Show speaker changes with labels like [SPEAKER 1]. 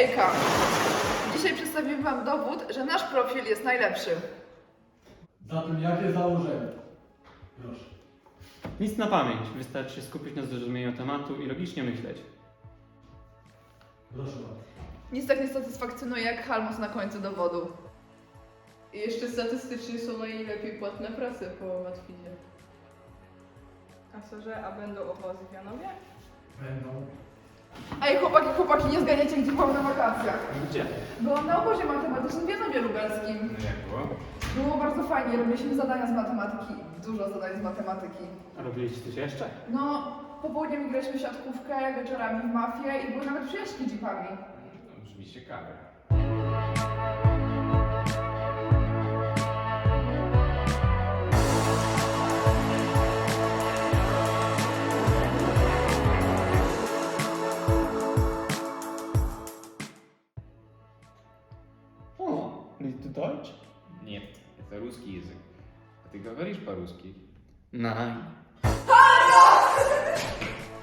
[SPEAKER 1] Hejka! Dzisiaj przedstawimy Wam dowód, że nasz profil jest najlepszy.
[SPEAKER 2] Zatem jakie założenie? Proszę.
[SPEAKER 3] Nic na pamięć, wystarczy się skupić na zrozumieniu tematu i logicznie myśleć.
[SPEAKER 2] Proszę bardzo.
[SPEAKER 1] Nic tak nie satysfakcjonuje jak halmus na końcu dowodu.
[SPEAKER 4] I jeszcze statystycznie są najlepiej płatne prace po łatwizie.
[SPEAKER 5] A co, że a będą obozy w Janowie?
[SPEAKER 2] Będą.
[SPEAKER 1] Ej, chłopaki, nie zganiacie, gdzie byłam na wakacjach.
[SPEAKER 3] Gdzie?
[SPEAKER 1] Byłam na obozie matematycznym w Janowie Lubelskim.
[SPEAKER 3] No jak było?
[SPEAKER 1] Było bardzo fajnie, robiliśmy zadania z matematyki. Dużo zadań z matematyki.
[SPEAKER 3] A robiliście coś jeszcze?
[SPEAKER 1] No, popołudniem graliśmy w siatkówkę, wieczorami w mafię i były nawet przyjaźni jeepami.
[SPEAKER 6] Brzmi ciekawe.
[SPEAKER 3] O, willst du Deutsch?
[SPEAKER 6] Нет, это русский язык. А ты говоришь по-русски?
[SPEAKER 3] Nein.